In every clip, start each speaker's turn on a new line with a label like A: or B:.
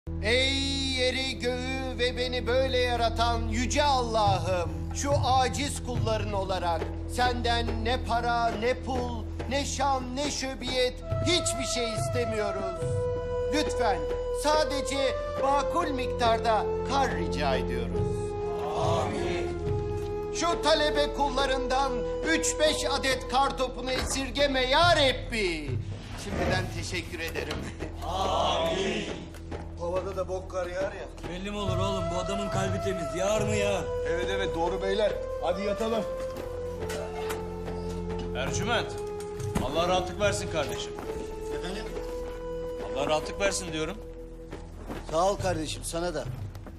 A: Ey yeri göğü ve beni böyle yaratan yüce Allah'ım, şu aciz kulların olarak senden ne para, ne pul, ne şan, ne şöbiyet, hiçbir şey istemiyoruz. Lütfen sadece makul miktarda kar rica ediyoruz. Şu talebe kullarından 3-5 adet kar topunu esirgeme ya Rabbi. Şimdiden teşekkür ederim.
B: Havada da bok kar yağar ya.
C: Belli mi olur oğlum? Bu adamın kalbi temiz. Yağar mı ya?
B: Evet evet doğru beyler. Hadi yatalım.
D: Ercüment, Allah rahatlık versin kardeşim.
B: Efendim?
D: Allah rahatlık versin diyorum.
B: Sağ ol kardeşim sana da.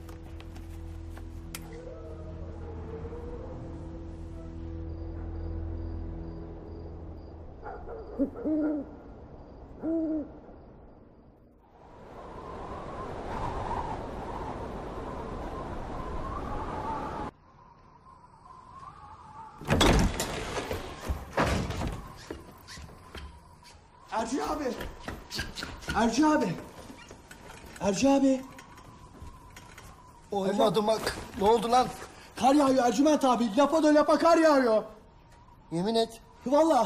E: Ercü abi. Ercü abi. Ercü abi.
B: Olmadı bak. Ne oldu lan?
E: Kar yağıyor Ercüment abi. Lapa da lapa kar yağıyor.
B: Yemin et.
E: Vallahi.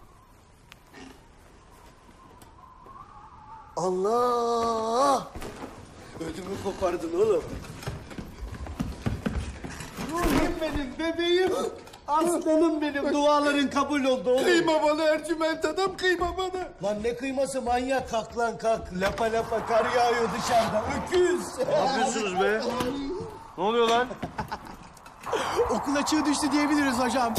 B: Allah! Ödümü kopardın oğlum.
E: Ruhum benim, bebeğim. Aslanım benim. Duaların kabul oldu oğlum.
B: Kıyma bana Ercüment adam kıyma bana.
E: Lan ne kıyması manyak, kalk lan kalk. Lapa lapa kar yağıyor dışarıda. Öküz.
D: Ne yapıyorsunuz be? Ne oluyor lan?
E: Okul açığı düştü diyebiliriz hocam.